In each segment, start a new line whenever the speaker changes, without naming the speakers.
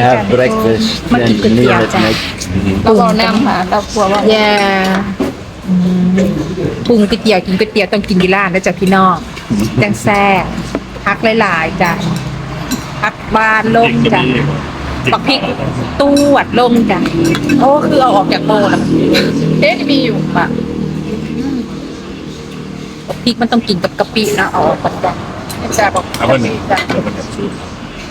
have breakfast
มากิน
and
ก๋วยเตี๋ยว
meal
จ้ะ
at night.
เราบอกน้ำหาเรากลัวว่า
แย่ปรุงก๋วยเตี๋ยวกินก๋วยเตี๋ยวต้องกินที่ร้านนะจ๊ะพี่น้องจังแซ่บพักหลายๆจ้ะพักบานลงจ้ะปักพริกตู้วัดลงจ้ะโอ้คือเอาออกจากโบแล้ว
เอ๊ะมีอยู่ปะ
พริกมันต้องกินกับกะปินะเอาออกก่อนจ้ะ
แต่บอก
เอาวันนี้เอาวันนี้ซื้อ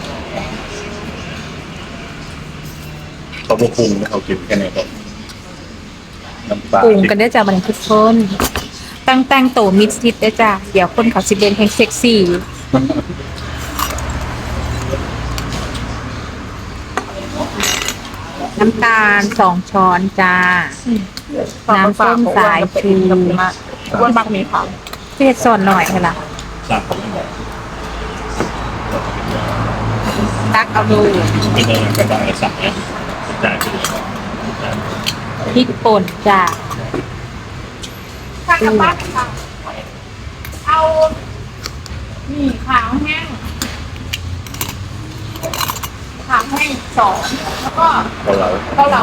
เขาบอกปรุงนะเขากินแค่ไหนก็น้ำปลา
ปรุงกันได้จ้ะมันทุกคนตั้งโตมิดชิดได้จ้ะเดี๋ยวคนเขาสิเบนแห่งเซ็กซี่น้ำตาล2 ช้อนจ้า น้ำส้มสายชู
ว่ามักมีผัก
เทศสอนหน่อยค่ะล่ะ
สั่งเขาไม่บอก
ตักเอาดู
เป็นอะไรก็ได้สั่งเนี่ยจ่ายไปเลย
พริกป่นจ้า
ข้าวกับบ้านค่ะเอานี่ขาวแห้งขาวแห้ง2แล้วก็
เราเรา
เกาเหลา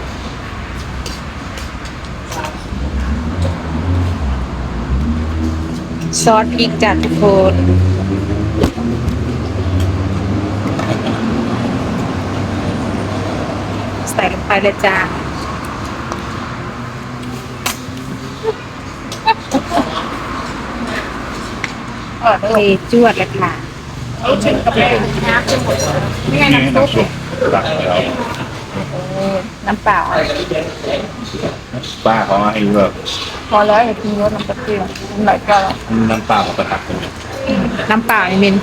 ซอสพริกจ้าทุกคน ใส่ลงไปเลยจ้าเทจวดเลยค่ะ
เอาชิ้นกับแม่น้ำจะหมดนี่ไง
นี่
น้ำซุป
น้ำซุปตักแล้ว
น้ำเปล่า
ป้าเขาให้แบบ
พอแล้วอย่าทิ้งรสน้ำตาลน้ำไหลก็
น้ำปลาเขาประทับกันเนี่ย
น้ำเปล่านี่มิน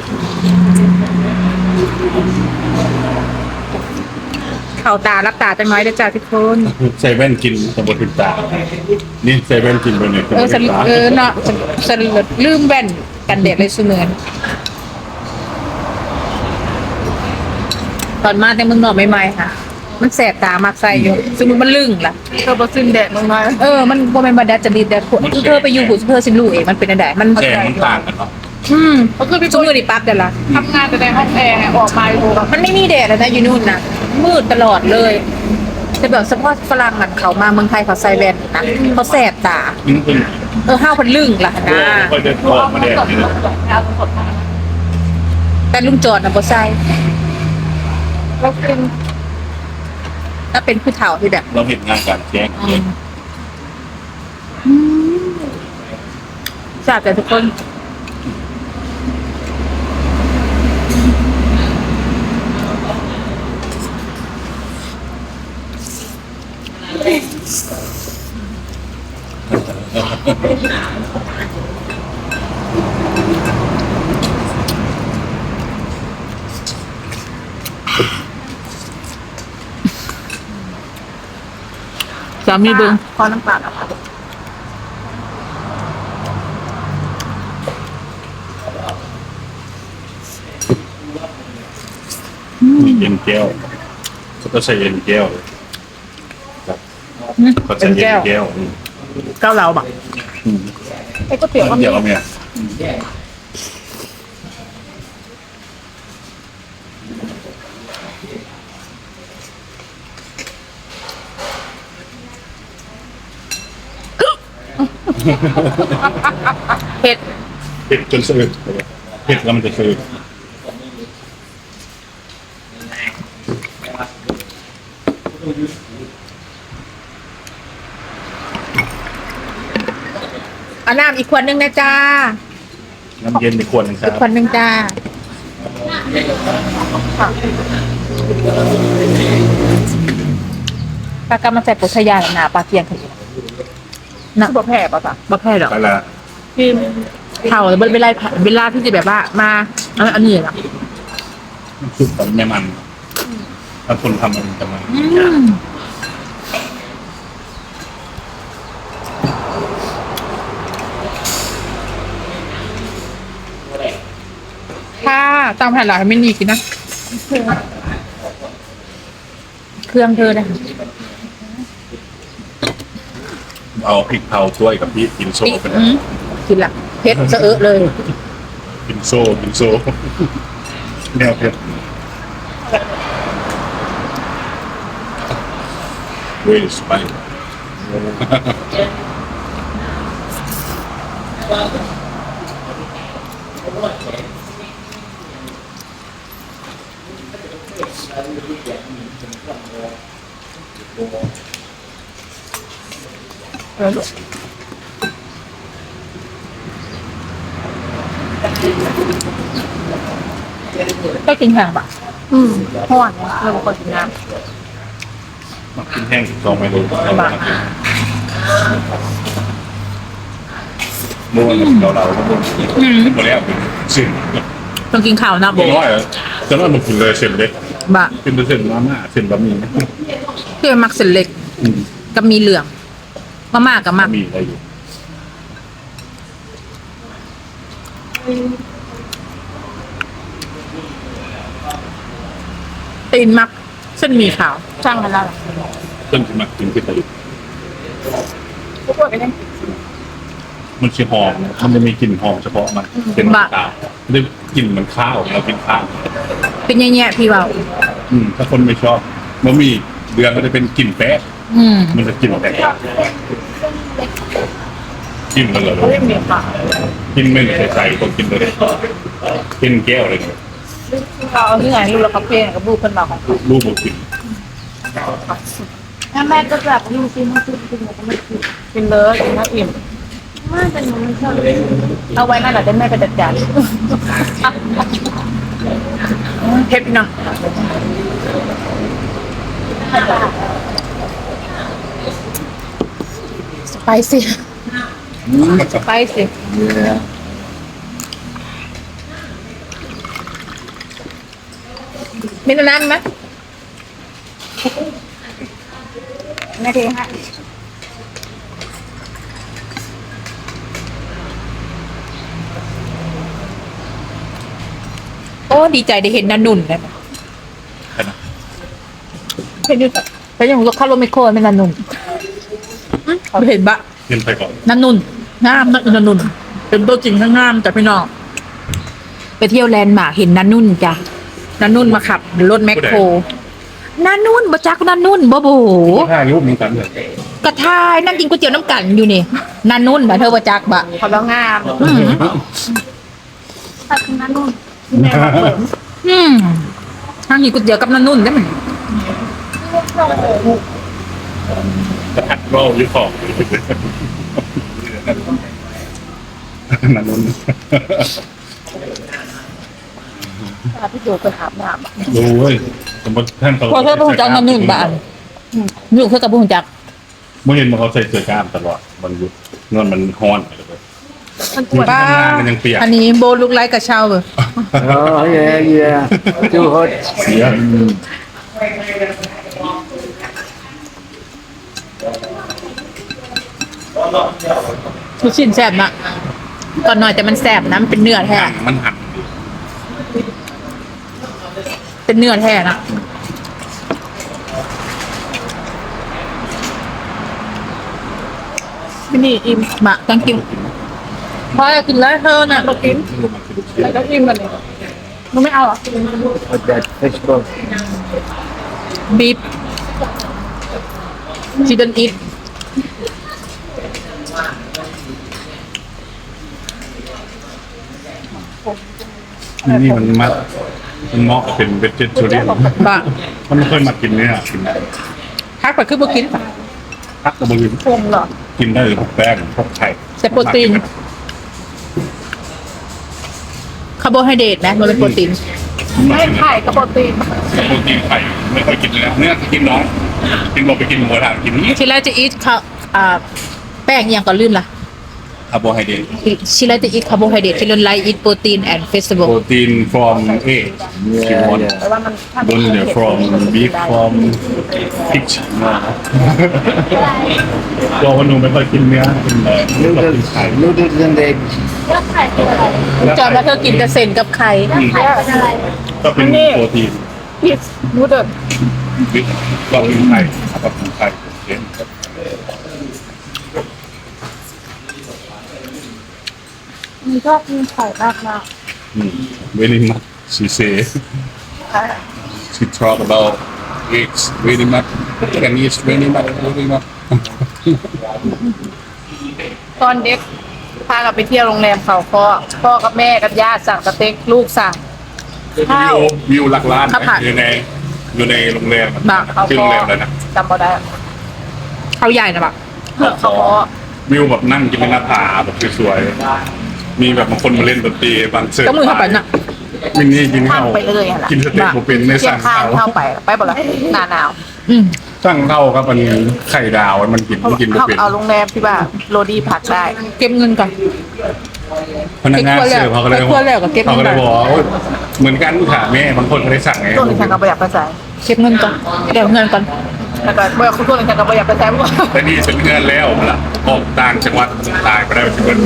เข่าตารับตาจังน้อยเด้อจ้าทุกคน
เซเว่นกินสมบูรณ์ตานี่เซเว่นกินไปเนี่ย
สลิดเนาะสลิดลืมแว่นกันแดดเลยเสมือนตอนมาแต่เมืองนอกใหม่ๆค่ะ มันแสบตามากใส่อยู่สมมติมันลึงล่ะ
เธอบะซึนแดดลงมา
มันบ่แม่นบ่ได้จะดีแต่เธอไปอยู่หูเธอสิรู้เองมันเป็นอันใดมัน
แสงมันต่างกันเนาะ
ก็คือพี่
สมมือนี่ปั๊บเดี๋ยวละ
ทำงานแต่ในห้องแอร์ออกมาดูแบบ
มันไม่มีแดดเลยนะอยู่นู่นน่ะมืดตลอดเลยแต่แบบเฉพาะฝรั่งอ่ะเขามาเมืองไทยเขาใส่แว่นนะเขาแสบตา
ยิ่งขึ้น
ห้าวพันลึงล่ะนะ
ก็จะออกมาแดดนี่นะ
เอาสดมา
แต่ลุงจอดน่ะบ่ใส่
เรากิน
ถ้าเป็นผู้เฒ่าที่แบบ
เราเห็นงานการแจ้งเลย
ทราบแต่ทุกคนสามีเบิ่ง
ขอน้ำเปล่าค่ะ
เย็นแก้วเขาก็ใส่เย็นแก้วเขาใส่เย็นแก้ว
เก้าเหลาบ่
ไอ้ก๋วยเตี๋ยวก็มี
เดี๋ยวเนี่ย
เผ็ด
เผ็ดจนสะอึกเผ็ดแล้วมันจะสะอึก
เอาน้ำอีกขวดหนึงนะจ้า
น้ำเย็นในขวดหนึงครั
อีก
บ
ขวดหนึงจ้าปลากำมาใส่ปุถยาหนาปลาเทียงกันอยู่นะ
บะแผ่ป่ะจ๊ะ
บ่แพ้หรอก
ไปละ
กิน
เท่าแต่เวลาที่จะแบบว่ามาอันนี้ล่ะ
ซุปตอนไม่มันถ้าคนทำมันจะมัน
ถ้าตามแผนหลักไม่มีกินนะ เครื่องเธอนะ
เอาพริกเผาช่วยกับพี่กินโซ่ไปนะ
กินละเผ็ดสะเอะเลย
กินโซ่แนวเผ็ด Really spicy.
ก็กินแห้งปะห่อนเราเป็นคนกินน้
มากินแห้งสองเมนูม้วนเราหมดแล้วสิ่ง
ำต้องกินข้าวนะโบ
น้อยจะน้อยมันกินเลยเส้นเล็ก
บะ
กินเส้นมาม่าเส้นบะหมี่
เพื่อมักเส้นเล็กกับมีเหลืองมาม่ากับมัก
มีอะไรอยู่
ตีนมักเส้นหมี่ขาวช่างมันแล้ว
เส้นที่มากินที่ไทย
ทุกคนก็ยัง
มันชื่อหอมมันจะมีกลิ่นหอมเฉพาะมันเป็นมะขามได้กลิ่นเหมือนข้าวเรากินข้าว
เป็นแย่ๆพี่เบา
ถ้าคนไม่ชอบบะหมี่เดือนก็จะเป็นกลิ่นแป๊ะมันจะกลิ่นแตกต่างกลิ่นมันเลย
เขาเรียกเมียค่ะ
กลิ่นไม่ใส่ใส่ก็กินเลยกินแก้วเลยเนี่ย
เราที่ไหนลูกเราคาเฟ่กับลูกคนเราของ
รูปบุกิน
ถ้าแม่ก็แบบยูซีมาซื้อกินก็ไม่กิน
กินเลยกินข้าวอิ่ม
ไม่แต่หนูไม่ชอบ
เอาไว้นั่นแหละได้แม่ไปจัดการเทปเนาะสไปซี่สไปซี่
Yeah.
มีน้ำนั้นไหม
แม่เทให้
โอ้ดีใจได้เห็นนันนุ่นเลย
แค่นั้น
เห็นอยู่แต่ยังรู้เข้ารถไม่โคตรเป็นนันนุ่นเห็นบะ
เงินไปก่อน
นันนุ่นงามนันนุ่นเป็นตัวจริงข้างงามจ้ะพี่น้องไปเที่ยวแลนด์มาร์คเห็นนันนุ่นจ้ะนันนุ่นมาขับรถแมคโครนันนุ่นบ่จักนันนุ่นบ่โบ
ถ่ายรูปเหมือนกันเลย
กระทายนั่งกินก๋วยเตี๋ยวน้ำกันอยู่นี่นันนุ่นบ่เธอบ่จักบะ
เขาแล้วงาม
อืม
ถ้าคุณนั่นนู่นที่แม่มาเปิด
นั่งกินก๋วยเตี๋ยวกับนันนุ่นได้ไหม
กระทัดก็ยึดของนั่นนุ่น
พี่โจไปอาบน้ำ
ดูเว้ยสมมติท่านเขา
พอเธอบ่ฮู้จักนันนุ่นบ้านอยู่เธอกับบ่ฮู้จัก
เมื่อเห็นมันเขาใส่เสื้อกล้ามตลอดมันยุดเงินมันฮ้อนไปเลย
มันปวด
ป้า
มันยังเปียก
อันนี้โบลุกไลค์กระเช้าเบอ
Oh yeah, yeah. Too hot.
เสีย
ลูกชิ้นแซ่บนะตอนหน่อยแต่มันแซ่บนะมันเป็นเนื้อแท้
มันหัก
เป็นเนื้อแท้นะ
มินี่อิ่ม
มาต้องกินพอจะกินแล้วเธอน่ะ
เรากินแล้วก็อิ่มกันเลยหนูไม่เอาหรอ
With that fish ball.
บีฟชิดนอิท
นี่มันมัดมันเหมาะกับเป็นเวจเจอรีน
บะ
มันไม่เคยมากินเนี่ยกิน
พักไปคือบ่กินปะ
พักกระบือ
พงเหรอ
กินได้เลยพวกแป้งพวกไข่
แต่โปรตีนคาร์โบไฮเดรตนะมันเป็นโปรตีน
ไม่ไข่กับโปรตีน
โปรตีนไข่ไม่เคยกินเลยนะเนี่ยกินน้อยกินลงไปกินหมูกระทะกินนี้
ชิลาจะอีทข้าวแป้งอหย่างก่อนลืมล่ะ
คาร์โบไฮเดรต
ชิลาจะอีทคาร์โบไฮเดรตชิลนไลอีทโปรตีนแอนด์เฟสติวัล
โปรตีน from egg
Yeah, yeah.
แต่ว่ามันถ้า
don't know from beef from pig ตัวคนหนูไม่ค่อยกินเนื้อกินเรากิน
Noodles,
ไข่
noodles and eggs.
แล้วไข่คืออะไร
จอมแล้วเธอกินแต่เส้นกับไข่
ไข่เป็นอะไร
ก็เป็นโปรตีน
พีชนูเดิล
วิตก็กินไข่ก็กินไข่เช่น
มีชอบกินไข่มากมาก
very much she say she talk about eggs very much and it's very much very much
ตอนเด็กพากันไปเที่ยวโรงแรมเขาพ่อกับแม่กับญาติสั่งสเต็กลูกสั่ง ข้าว
วิวหลักล้าน
ข้าวผัด
อยู่ในโรงแรม
บักเขา
ชื่อ
ค
โร
อง
แรมเลยนะ
จำบ่ได้
เขาใหญ่นะบัก
เขาคอ
วิวแบบนั่งกินในหน้าผาแบบสวยๆมีแบบบางคนมาเล่นดนตรีบางเสิร์ฟ
ก็มือเข้าไปน่ะ
มินนี่กิน
ข้า
ข้าง ว
ไปเลยอะล่ะ
กินสเต็กโมเป็นใน
เที่ย
สั่
ง
ง
ข้าง
ข้าว
เข้าไปบ่ละหนาหนาว
อืม
สั่งข้าวครับมันไข่ดาวมันกิน
เขา
กินโมเป็น
เอาโรงแรมที่ว่าโรดี้ผักได้
เก็บเงินก่อน
พนักงานเสิร์ฟเขาก็เลย
ไปครัวแล้วก็เก็บเงิน
เขาก็เลยบอกว่าโอ๊ยเหมือนกันค่ะแม่บางคนก็ได้สั่งไง
ตัวนี้ฉันก็ประหยัดภาษา
เก็บเงินก่อนเดี๋ยวเงินก่อน
แล้วก็บอกคุณตัวนี้ฉันก็ประหยัดภาษาเพราะว่า
แต่นี่เป็นเงินแล้วล่ะออกต่างจังหวัดตายไปได้เป็นเงิน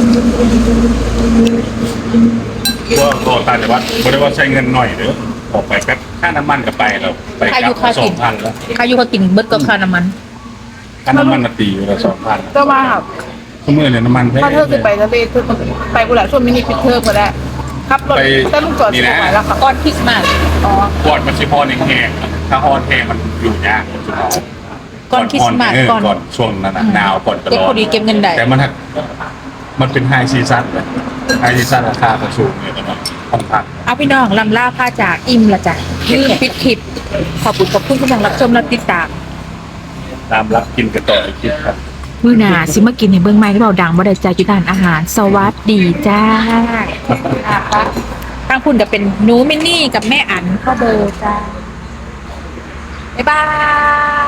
ว่าออกต่างจังหวัดไม่ได้ว่าใช้เงินหน่อยเด้อออกไปแป๊บค่าน้ำมันก็ไปแล้วไปกลับมา2,000แล้ว
ค่าอยู่ค่ากินเบิดก็ค่าน้ำมัน
ค่าน้ำมันมาตีอยู่ละ2,000
ก็ว่า
ทุกมื้อเนี่ยน้ำมันแพง
ถ้าเธอคือไปทะเลเธอไปบุรีช่วงมินิพิเทอร์ก็ได้ครับรถแต่ลูกจอดสวยแล้วค่ะ
ก้อนคริสต์มาส
อ๋อ
ก่อนมันสิพอแห้งๆถ้าฮอนแห้งมันอยู่ยากสุดท้าย
ก้อนคริสต์มาสก่อน
ก่อนช่วงนั้นน่ะหนาวก่อนตล
เก็บ
อ
พอดี
ด
เก็บเงินได้
แต่มันเป็นไฮซีซั่นเลยไฮซีซั่นราคาก็สูงเนี่ยตอนนั้นห้องพัก
เอาพี่น้องลำล่าผ้าจากอิ่มละจ้ะลืมปิดคลิปขอบคุณที่ยังรับชมและติดตาม
ตามรับกินกันต่ออีกทีครับ
มื้อหน้าสิมากินในเบื้องไม้ที่เบาดังบ่ได้ใจจุดานอาหาร สวัสดีจ้าทางคุณจะเป็นหนูมินนี่กับแม่อันพ่อเบอร์จ้าบ๊ายบาย